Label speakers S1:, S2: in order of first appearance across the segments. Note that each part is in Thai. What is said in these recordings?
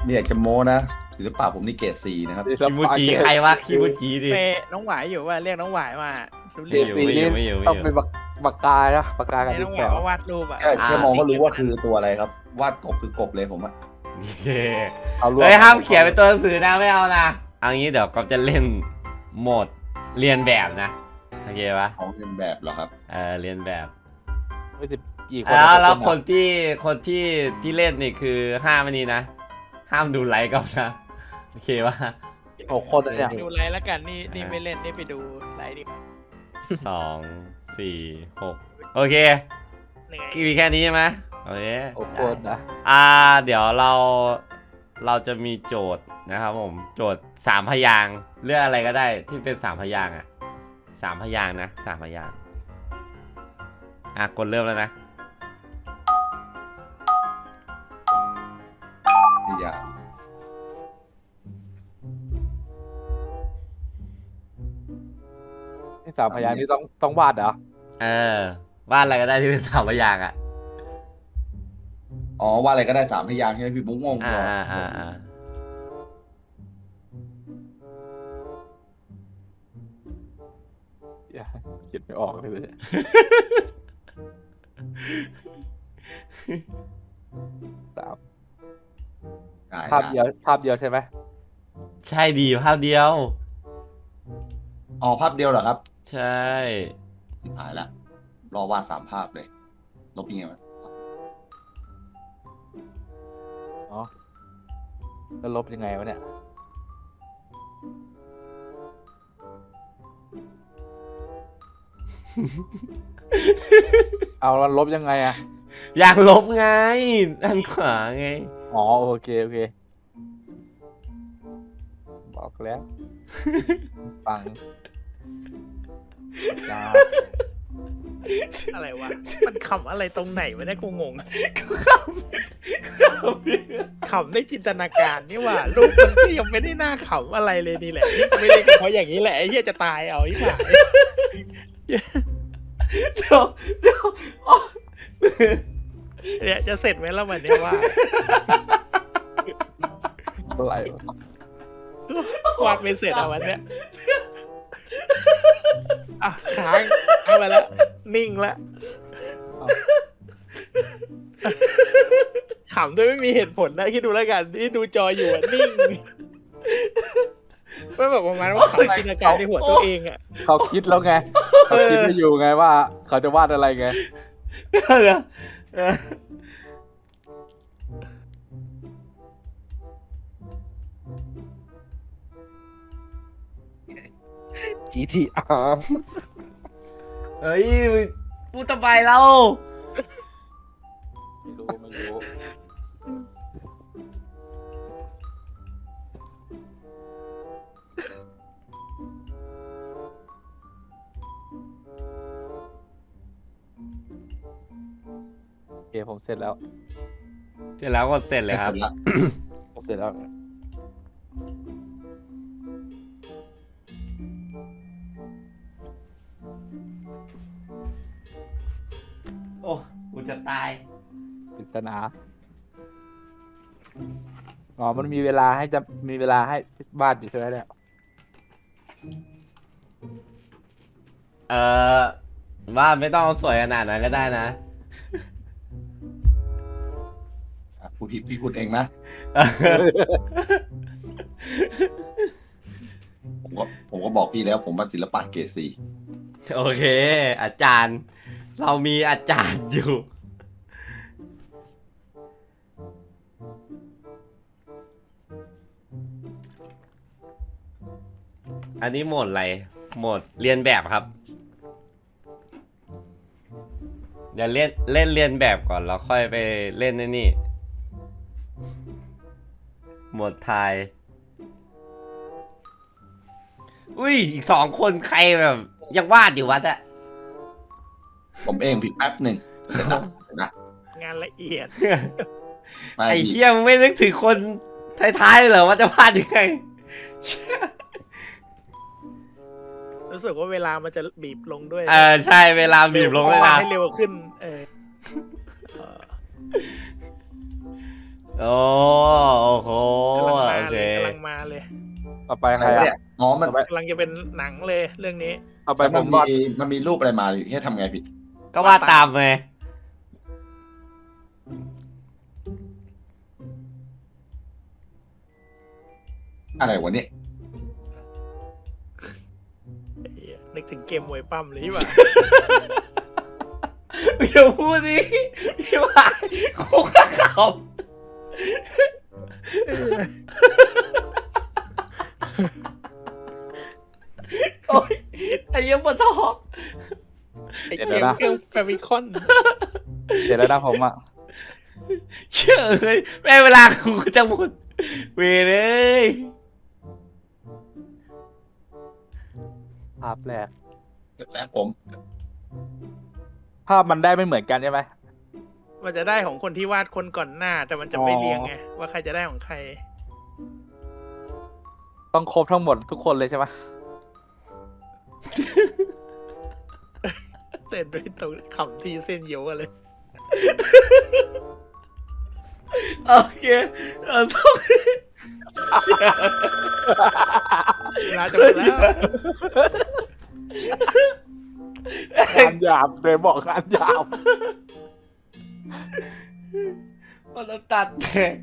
S1: ไม่อยากจะโม้นะศิลปะผมนี่เกรด4นะครับ
S2: คิมูจิใครวะคิมูจิดิ
S3: เปน้องหวายอยู่ว่าเรียกน้องหวายมารู้
S2: เรี
S3: เรื่
S2: ย
S3: อก ง
S2: สีนี้
S4: ไม่อยู่
S2: ต้องเป็นปากกานะปากกากับ
S3: ให้
S2: ดิ
S3: น้
S2: น
S3: องห
S2: ส
S3: วาย
S2: อ
S3: มาวาดรูปอ่ะ
S1: แค่มองก็รู้ว่าคือตัวอะไรครับ วาดกบคือกบเลยผมอะ
S2: เอารวม
S4: เฮ้ยห้ามเขียนเป็นตัวหนังสือนะไม่เอานะเอางี้เดี๋ยวก๊อฟจะเล่นโหมดเรียนแบบนะโอเคปะ
S1: ของเรียนแบบเหรอครับ
S4: เรียนแบบ
S2: ไม่สิบกี่คน
S4: แล้วคนที่เล่นนี่คือห้ามอันนี้นะห้ามดูไลค์ก๊อฟนะโอเคปะ
S2: 6 คนเนี่ย
S3: ดูไลน์แล้วกันนี่ไม่เล่นนี่ไปดูไลน์ดีกว่า
S4: 2 4 6โอเค
S3: เหนื่อย
S4: มีแค่นี้ใช่ไหมโอเค
S2: 6 คนนะ
S4: เดี๋ยวเราจะมีโจทย์นะครับผมโจทย์3 พยางค์เลือกอะไรก็ได้ที่เป็น3 พยางค์อ่ะ3 พยางค์นะ3 พยางค์กดเริ่มแล้วนะ
S1: ที่อยาก
S2: นี่3 พยางค์นี่ต้องวาดเหรอ
S4: วาดอะไรก็ได้ที่เป็น3 พยางค์อ่ะ
S1: อ๋อว่าอะไรก็ได้3 พยางค์ใช่ไหมพี่บุ๊กงง
S4: อ่า
S1: ก่อน
S4: อ่าอ่าอ่า
S2: อย่าคิดไม่ออกเลย 3
S1: ได้
S2: ภาพเดียวใช่ไหม
S4: ใช่ดีภาพเดียว
S1: อ๋อภาพเดียวเหรอครับ
S4: ใช่
S1: สุดท้ายละรอวาด3 ภาพเลยลบยังไงวะ
S2: อ๋อแล้วลบยังไงวะเนี่ยเอาแล้วลบยังไงอะ
S4: อยากลบไงด้านขวาไง
S2: อ๋อโอเคบอกแล้ว ฟังจ้า
S3: อะไรวะมันขำอะไรตรงไหนวะเนี่ยกูงงขำได้จินตนาการนี่ว่ารูปมันก็ยังไม่ได้น่าขำอะไรเลยนี่แหละนี่ไม่เล่นเพราะอย่างนี้แหละไอ้เหี้ยจะตายเอาไอ้หมา
S4: เดี๋ยวอ๋อ
S3: เนี่ยจะเสร็จไหมแล้ววันเนี้ยว่า
S2: อะไรวะ
S3: วาดไม่เสร็จเอาวันเนี้ยอ่ะค้างเอาไปแล้วนิ่งแล้วขำด้วยไม่มีเหตุผลนะคิดดูแล้วกันที่ดูจออยู่อะนิ่งไม่แบบประมาณว่าขำจินตนาการในหัวตัวเองอะ
S2: เขาคิดแล้วไงเขาคิดไม่อยู่ไงว่า เขาจะวาดอะไรไง
S4: เดี๋ยว
S2: GTR
S4: เฮ้ยพูดทำไมเรา
S2: ไม่รู้โอเคผมเสร็จแล้ว
S4: เสร็จแล้วก็เสร็จเลยครับ
S1: ละ
S2: เสร็จแล้ว
S4: โอ้กูจะตาย
S2: ปริศนาอ๋อมันมีเวลาให้วาดอยู่ใช่ไหมเนี่ย
S4: ว่าไม่ต้องสวยขนาดนั้นก็ได้นะ
S1: พูดผิดพี่พูดเองนะผมก็บอกพี่แล้วผมว่าศิลปะเกรด4
S4: โอเค อาจารย์ เรามีอาจารย์อยู่ อันนี้โหมดอะไร โหมดเรียนแบบครับ เดี๋ยวเล่นเรียนแบบก่อนแล้วค่อยไปเล่นนี่ โหมดไทย อุ้ยอีก2 คนใครแบบยังวาดอยู่วะเนี่ย
S1: ผมเองผิดแป๊บหนึ่งเสร็จแล้วเห็นนะ
S3: งานละเอียด
S1: ไม่
S4: ไอ้
S1: พี่
S4: เหี้ยมึงไม่นึกถึงคนท้ายๆเหรอว่าจะวาดยังไง
S3: รู้สึกว่าเวลามันจะบีบลงด้วย
S4: ใช่เวลาบีบลงเลยนะ
S3: ให้เร็วขึ้น
S4: โอ้โห
S2: ต่อไป
S1: อะ
S2: ใค
S1: ไร
S2: ร
S1: วะ
S2: อ่ะ
S1: เนี่ยอ๋อมัน
S3: กำลังจะเป็นหนังเลยเรื่องนี้
S2: ต่อไปผ
S1: มัน
S2: มวาด
S1: มันมีรูปอะไรมาให้ทำไงพี่
S4: ก็วาดตามไง
S1: อะไรวะเนี่ย
S3: ไอ้เหี้ยนึกถึงเกมมวยปั้มเลยที่ว่า
S4: อย่าพูดดิพี่ว่าคุกข้าเขา โอ้ยไอ้เหี้ยังปวดท้อง
S3: ไอ้เกมเครื่องแฟมิคอน
S2: เดี๋ยวแล้วนะผมอ่ะ
S4: เชื่อเลยแม่งเวลากูจะหมดเวรเลย
S2: ภาพแรก
S1: แล้วผม
S2: ภาพมันได้ไม่เหมือนกันใช่ไหม
S3: มันจะได้ของคนที่วาดคนก่อนหน้า แต่มันจะไม่เรียงไงว่าใครจะได้ของใคร
S2: ต้องครบทั้งหมดทุกคนเลยใช่ไหม
S3: เต้นด้วยตรงขำทีเส้นเยียวกันเลย
S4: โอเคต้อง
S3: เวลาจะหมดแล้ว
S2: งานหยาบเลยบอกงานหยาบ
S4: มันตัดแตก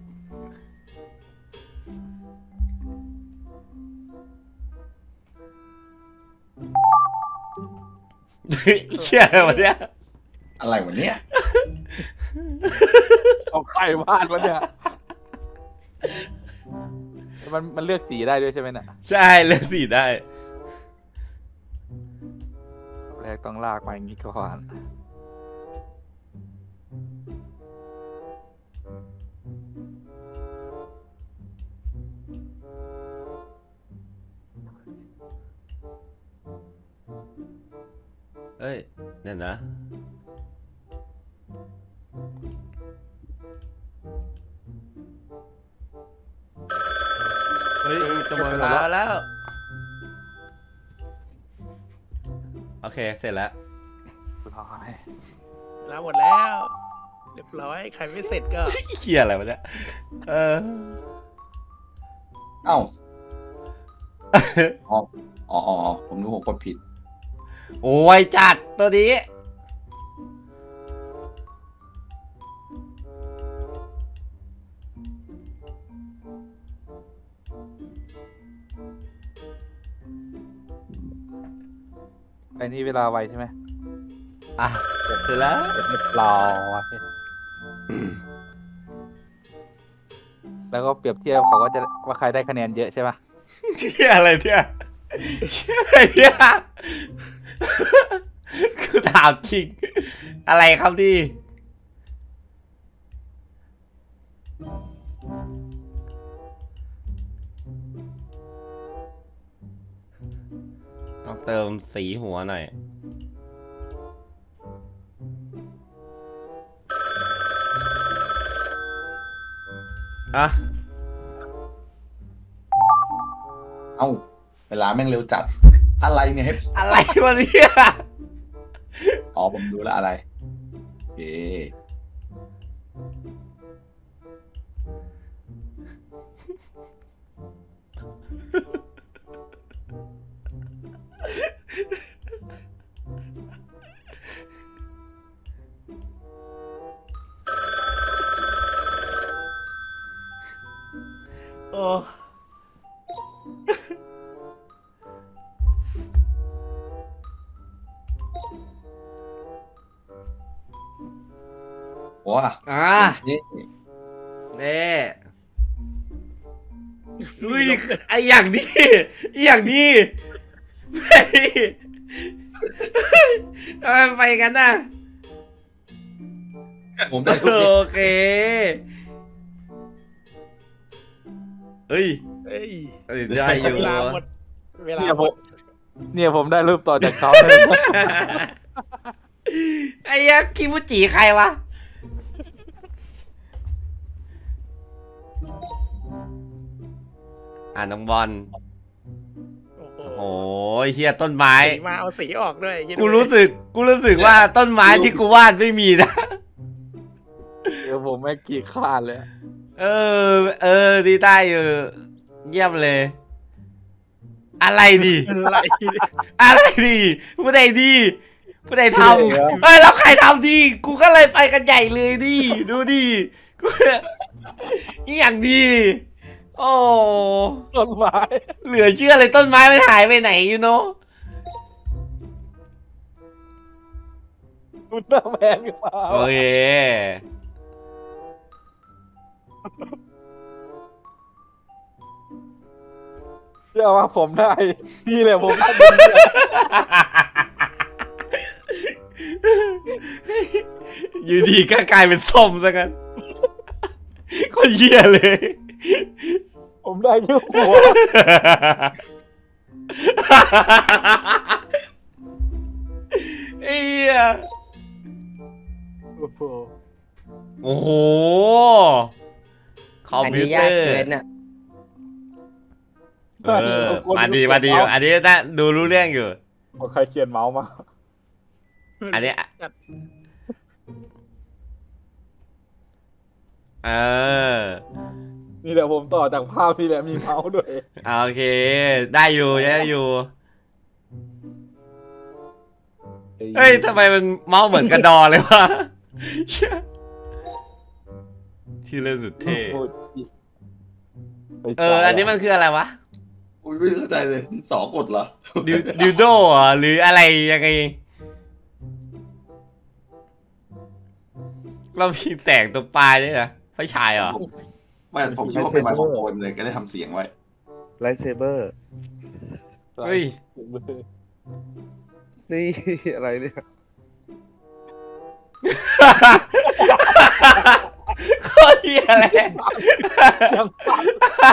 S4: เชื่ออะไรวะเนี่ย
S1: อะไรวะเนี่ย
S2: เอาใครวาดวะเนี่ยมันเลือกสีได้ด้วยใช่ไหมเนี่ย
S4: ใช่เลือกสีได้
S2: แรกต้องลากมาอย่างนี้ก่อน
S4: เอ้ยเดี๋ยวนะเฮ้ยจะหมดเวลาแล้ว โอเค เสร็จแล้ว
S2: สุดท้าย
S3: เวลาหมดแล้ว เรียบร้อยใครไม่เสร็จก็
S4: เขียอะไรวะเนี่ยเออ
S1: เอ้าอ๋อผมรู้ผมกดผิด
S4: โอ้ยจัดตัวนี้
S2: ไอ้นี่เวลาไวใช่ไหม
S4: อ่ะเสร็จแล้ว
S2: เรียบร้อยแล้วก็เปรียบเทียบเขาก็จะว่าใครได้คะแนนเยอะใช่ปะ
S4: เที่ยอะไรเนี่ยเที่ยอะไรเนี่ยคือถามจริง อะไรครับดิต้องเติมสีหัวหน่อย อ่ะ
S1: เอ้า เวลาแม่งเร็วจัด อะไรเนี่ยให้
S4: อะไรวะเนี่ย
S1: อ๋อผมรู้แล้วอะไรโอเค
S4: โอ้
S1: ว้า
S4: อ่ะ
S1: นี่
S4: เน่อุ้ยไออย่างนี้ไออย่างนี้ไปทำไมไปกันน่ะ
S1: ผมได้รูปนี้
S4: โอเคเฮ้ย
S3: เอ้ย
S4: เอ้ยได้อยู่
S3: เวลาหมดเวลา
S2: เนี่ย
S3: ห
S2: ผม ม
S3: ด
S2: เนี่ยผมได้รูปต่อจากเขาเลย
S4: ไอ้ยักษ์คิมุจิใครวะ น้องบอล
S3: โอ้โห
S4: โอ้ยเฮียต้นไม้
S3: สีมาเอาสีออกด้วยคิดดู
S4: กูรู้สึกว่าต้นไม้ที่กูวาดไม่มีนะ
S2: เดี๋ยวผมไม่กี่ขาดเลย
S4: เออ ดีได้อยู่เยี่ยมเลยอะไรดิ
S3: อะไรเนี่ย
S4: อะไรดิผู้ใดดีผู้ใดทำเฮ้ยแล้วใครทำดีกูก็เลยไปกันใหญ่เลยดิดูดิกูนี่อย่างดีโอ้
S2: ต้นไม้
S4: เหลือเชื่อเลยต้นไม้มันหายไปไหนอยู่เนาะ
S2: อุลตร้าแมนก็มา
S4: โอเค
S2: เชื่อว่าผมได้นี่แหละผมได้
S4: อยู่ดีก็กลายเป็นส้มซะกันคนเหี้ยเลย
S2: ผมได้แค่หัว
S4: เอีย
S2: โอ้โห
S4: โอ้โหคอม
S5: อัน
S4: พิ
S5: นี้
S4: วเต
S5: ยา
S4: อก ร์
S5: เกินอ่ะ
S4: มาดีอันนี้น่าดูรู้เรื่องอยู่
S2: ใครเขียนเมาส์มา
S4: อันนี้เออ
S2: นี่แหละผมต่อจากภาพที่แหละมีเมาส์ด้วย
S4: โอเค ได้อยู่เฮ้ยทำไมมันเมาส์เหมือนกระดอเลยวะชื่อเล่นสุดเท่อันนี้มันคืออะไรวะ
S1: อุ้ยไม่เข้าใจเลยสองกดเหรอ
S4: ดิวโดเหรอหรืออะไรยังไงเรามีแสงตัวปลายด้วยนะไฟฉายเหรอ
S1: ไม่ผมคิดว่าเป็นไมโครโฟนเลยก็ได้ทำเสียงไว้
S3: ไลท์เซเบอร์
S4: เฮ้ย
S3: นี่ อะไรเนี่ย
S4: โคตรเหี้ยอะไร
S2: ยังปัง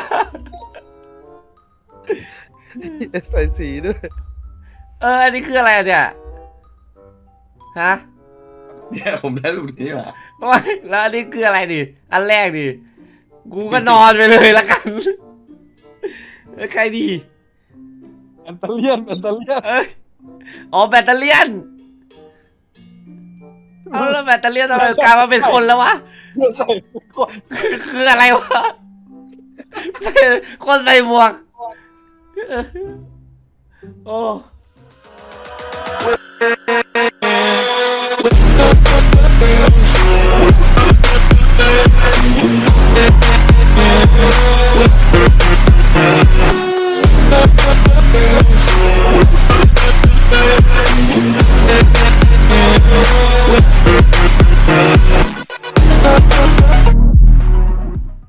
S3: ใส่สีด้วย
S4: อันนี้คืออะไรเนี่ยฮะ
S1: เนี่ยผมได้รูปนี้มา
S4: ไม่แล้วอันนี้คืออะไรดิอันแรกดิกูก็นอนไปเลยละกันแล้วใครดี
S2: แอนเตเลียน
S4: เอ้ยอ๋อแบตเตอรี่ยนเอาแล้วแบตเตอรี่ยนทำไมกลายมาเป็นคนแล้ววะ
S2: ใส่ก่อน
S4: คืออะไรวะคนใส่หมวกโอ้